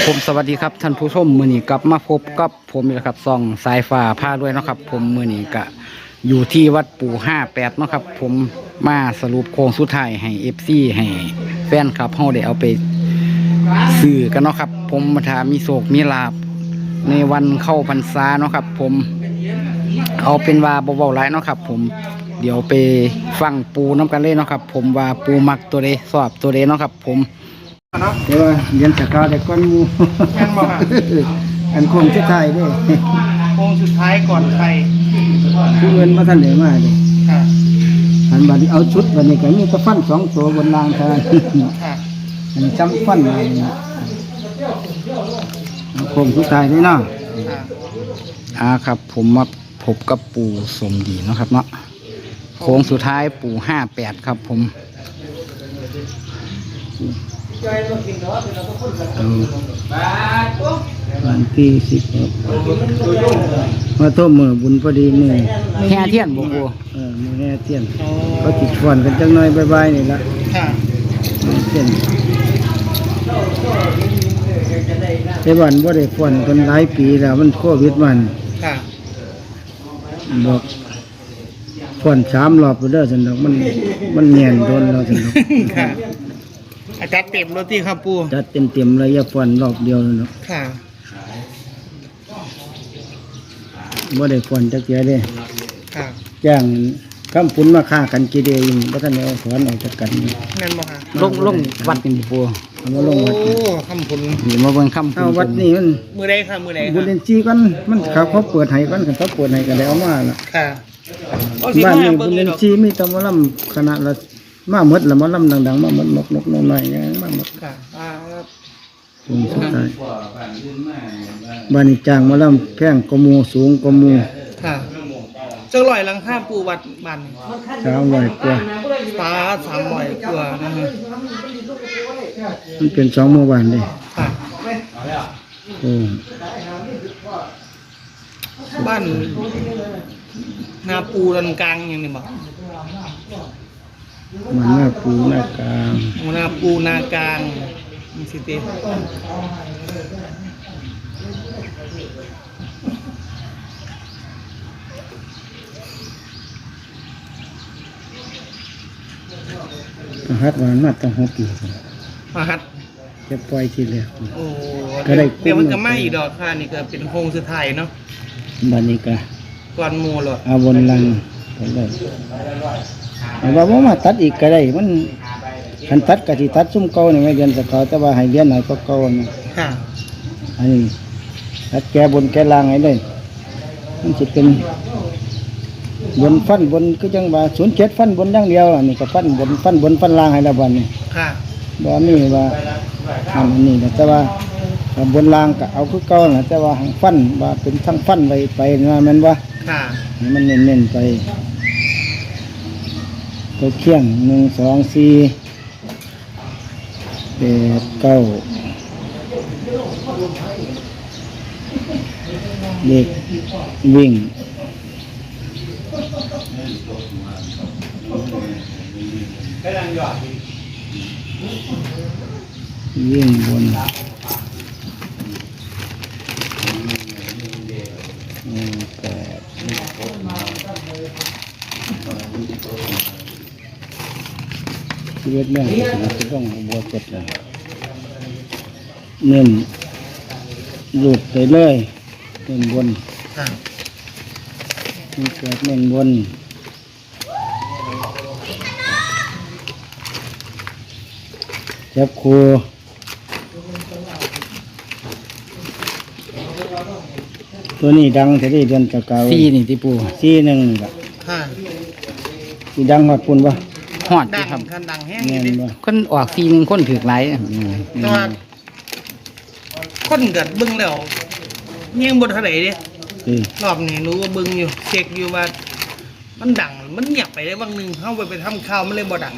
ผมสวัสดีครับท่านผู้ชมมือนี้กลับมาพบกับผมอีกแล้วครับซ่องสายฟ้าผ้าด้วยเนาะครับ ผมมือนี้ก็อยู่ที่วัดปู่58เนาะครับ ผมมาสรุปโค้งสุดท้ายให้FCให้แฟนครับเฮาได้เอาไปซื้อกันเนาะครับ ผมมาถามีโศกมีลาบในวันเข้าพรรษาเนาะครับ ผมเอาเป็นว่าเบาๆหลายเนาะครับ ผมเดี๋ยวไปฟังปูน้ำกันเลยเนาะครับ ผมว่าปูมักตัวใดชอบตัวใดเนาะครับ ผมเดี๋ยวเรียนจากการแต่ก้อนมูแม่นบ่ค่ะอันคงจะไทยด้วยโค้งสุดท้ายก่อนใครผู้เงินมาท่านเหนือมาเลยค่ะอันบัดนี้เอาชุดบัดนี้ก็มีตะฟัน2 ตัวบนรางเท่านั้นค่ะอันนี้จำฟันมาเนี่ยคงสุดท้ายด้วยเนาะค่ะครับ ผมมาพบกับปู่สมดีเนาะครับเนาะโค้งสุดท้ายปู่58ครับ ผมวันที่10มาต้มมือบุญพอดีมือแห่เทียนบ่บัวมือแห่เทียนก็ติดฟอนกันจังหน่อยบายๆนี่ละค่ะเทียนแต่วันบ่ได้ฟอนกันหลายปีแล้วมันโควิดมันค่ะบอกฟอน3 รอบไปเด้อซั่นดอกมันแน่นโดนแล้วซั่นดอกค่ะอาจารย์เต็มรถที่ครับปูจัดเต็มๆเลยอย่าฟอนรอบเดียวนั่นดอกค่ะบ่ได้ฟอนจักเที่ยเด้ค่ะจ้างคำปุ่นมาฆ่ากันกี่เดียวอยู่บ่ทันได้เอาถอนออกจากกันแม่นบ่ค่ะลงวัดนี่ปู่เอามาลงวัดโอ้คำผลนี่มาเบิ่งคำปุ่นวัดนี่มันมือใดค่ะมือใดบุญค่ะเรียนจีกันมันเขาเปิดให้กันเขาเปิดให้กันได้เอามาล่ะค่ะบ้านนี้บุญเรียนจีมีแตำลำคณะละมาหมดละมาลำดังๆมาหมดนกน้อยๆอย่างมาหมดค่ะครับผมสุดท้ายบ้านนี้จ้างมาลำแข้งกมูสูงกมูค่ะจังลอยหลังคาปูวัดบ้าน 300 กว่าปลา300กว่านะฮะมันเป็น2 เมื่อวานเลยค่ะโอ้บ้านนาปูดันกลางอย่างนี้บ่มันหน้าปูหน้ากลางนาปูนากลางมันสิเตประหัดวานมาตั้ง6 ปีมาฮัดจะปล่อยทีแรกโอ้ก็ได้เดี๋ยวมันก็ไม่อีกดอกค่ะนี่ก็เป็นโครงสุดท้ายเนาะบ้านนี้ก็ก่อนหมู่หรอกเอาบนลังไปเลยแต่ว่าบ่มาตัดอีกก็ได้มันคันตัดก็สิตัดซุ่มเก่านี่ไม่เรียนสกอแต่ว่าให้เรียนหน่อยก็เก่านี่ค่ะอันนี้ตัดแก่บนแก่ล่างให้เลยมันสิเป็นบนฟันบนคือจังว่า07ฟันบนอย่างเดียวอันนี้ก็ฟันบนฟันล่างให้แล้วบัดนี้ค่ะบ่มีว่าอันนี้นะแต่ว่าบนล่างก็เอาคือเก่าน่ะแต่ว่าให้ฟันว่าเป็นทั้งฟันไปนะแม่นบ่ค่ะให้มันเน้นๆไปตัวเคียง1 2 4 8 9เด็กวิ่งวิ่งบนชีวิตเรื่องที่จะต้องบัวกดเลยเน้นหลุดไปเลยเน้นบนค่ะมีเกิดเน้นบนจับครูตัวนี้ดังแต่ได้เดือนตะเกา4นี่ที่ปู4 1นี่ล่ะค่ะสิดังฮอดปุ่นบ่ฮอดดัที่งครับคันดังแห้งแม่นี่นดิบ่คนออก4 1คนถูกหลายแต่ว่าคนเกิดเบิ่งแล้วยังบ่เท่าไหร่เด้ รอบนี้หนูก็เบิ่งอยู่เช็คอยู่ว่ามันดังมันเงียบไปได้บางหนึงเฮาไปทำข่าวมันเลยบ่ดัง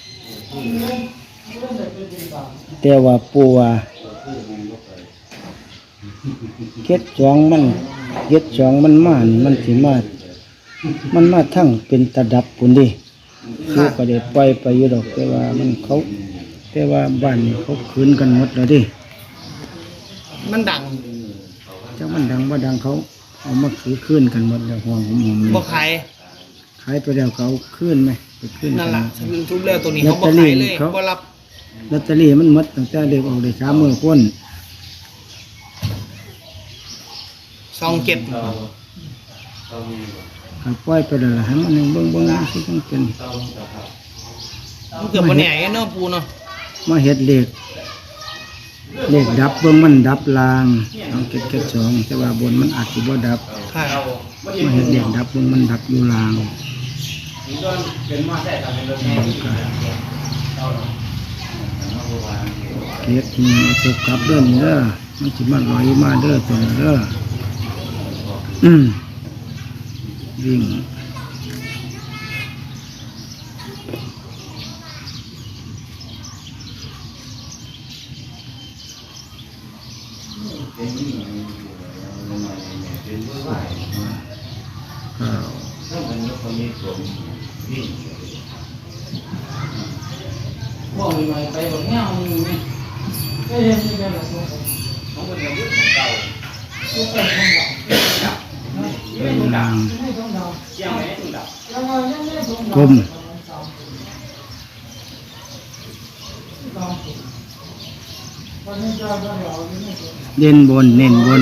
แต่ว่าปูว่าเก็ดจองมันมานี่มันสิมามันมาทั้งเป็นตะดับปุ่นดิลูกก็ได้ปล่อยไปอยู่ดอกแต่ว่ามันเขาแต่ว่าบ้านนี่เขาคืนกันหมดแล้วดิมันดังเจ้ามันดังว่าดังเขาเอามาถือขึ้นกันหมดแล้วห่วงผมบ่ขายขายไปแล้วเขาขึ้นไหมไปขึ้นนั่นกัล่ะทุบแล้วตัวนี้เขาบ่ขายเลยบ่รับลอตเตอรี่มันหมดตั้งแต่เด็กออกได้3 มื้อพ้น 27 ก็ปล่อยไปแล้วล่ะให้มันเบิ่งสิต้องเป็นมันเกือบบ่แน่เนาะปูเนาะมาเฮ็ดเลขดับเบิ่งมันดับลางเอาเก็ด2แต่ว่าบนมันอาจสิบ่ดับค่ะมาเฮ็ดเลขดับเบิ่งมันดับอยู่ลางเก็ดนี่เอาตกกลับเด้อนี่เด้อมันสิมาลอยมาเด้อตัวนี้เด้อวิ่งข้าวบ่มีไปไปบ่เงี้ยมีไหมลางกลมเด่นบนเน้นบน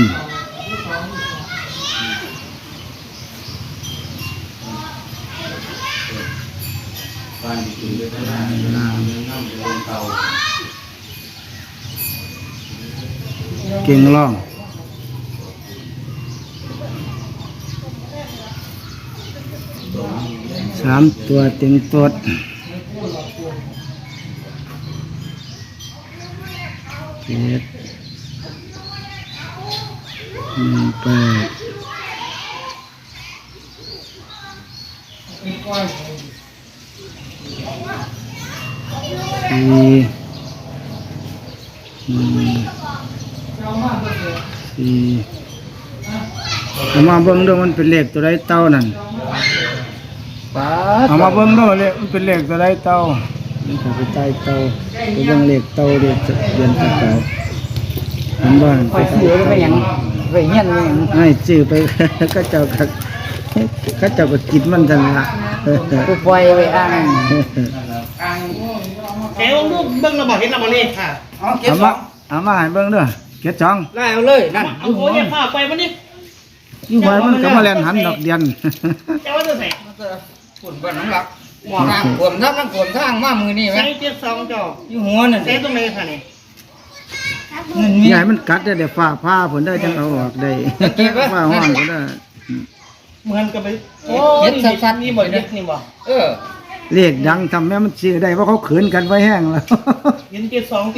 ลางเก่งล่อง3 ตัวเต็งตดเจ็ด8เอามาเบิ่งเด้อมันเป็นเลขตัวใดเต้านั่นป้าเอามาเบิ่งเด้อเลขมันเป็นเลขตัวใดเต้ามันก็ไปใต้เต้าไปเบิ่งเลขเต้าเลขเดือนตะเก่าเห็นบ่ไปซื้อไปหยังไปเงี้ยนไปหยังให้ซื้อไป ก็เจ้าก็กินมันทันละไปปล่อยไปอ้างแต่ว่าลูกเบิ่งระบ่เห็นระบ่เลขค่ะเอามาให้เบิ่งเด้อเก็ดช่องไล่เอาเลยนั่นเอาโหอย่าพาไปมันนี่อยู่ไว้มันก็มาแล่นหันดอกเดียนแต่ว่าจะใส่ฝุ่นบ้านน้องหลักหมอน้ำฝนทับน้ำฝนทางมามือนี่ไหมใส่72จออยู่หัวนั่นใส่ตรงไหนค่ะนี่เงินมีอย่าให้มันกัดเดี๋ยวฟ้าผ้าผลได้จังเอาออกได้ฟ้าห้องก็ได้เหมือนกับไปโอ้เฮ็ดนี่สั้นๆนี่บ่เฮ็ดนี่บ่เออเลขดังทำแม่มันซื้อได้เพราะเขาขืนกันไว้แห้งแล้วเห็น72ติ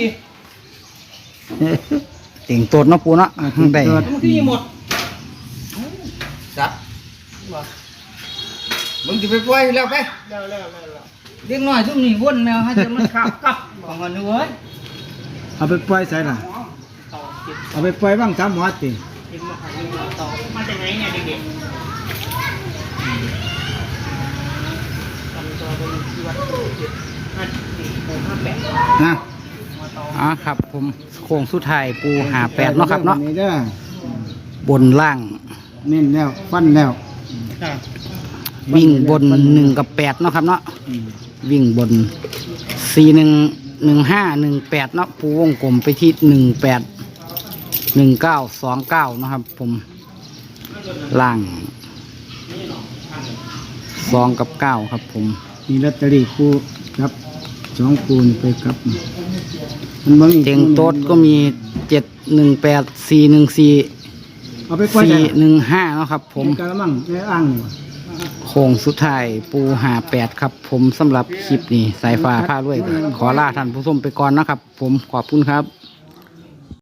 เต่งตดเนาะปูเนาะได้มันคือหมดจับบ่มึงจะไปปล่อยแล้วไปแล้วเด็กน้อยทุกนี่วนแมวให้จะมันขับกลับของมันด้วยเอาไปปล่อยใส่ล่ะต่อเก็บเอาไปปล่อยบ้างทำวัดติเก็บมาขายต่อมาจากไหนเนี่ยเด็กๆทำตัวเป็นที่วัดเก็บ54 58 นะครับผมโค้งสุดท้ายปู58เนาะครับเนาะนี่เด้อบนล่างเน้นแล้วฟันแล้วค่ะวิ่งบน1 กับ 8เนาะครับเนาะอืมวิ่งบน411518เนาะปูวงกลมไปที่181929เนาะครับผมล่าง2 กับ 9 ครับผมมีลอตเตอรี่คู่ครับ2คู่นี่ไปครับมันบ่มีเต็งโต๊ดก็มี718414 เอาไปปล่อยใส่ล่ะ 415เนาะครับผมในกะละมังในอ่างนี่ว่ะโค้งสุดท้ายปู58ครับผมสำหรับคลิปนี้สายฟ้าผ้ารวย ขอลาท่านผู้ชมไปก่อนนะครับ ผมขอบคุณครับ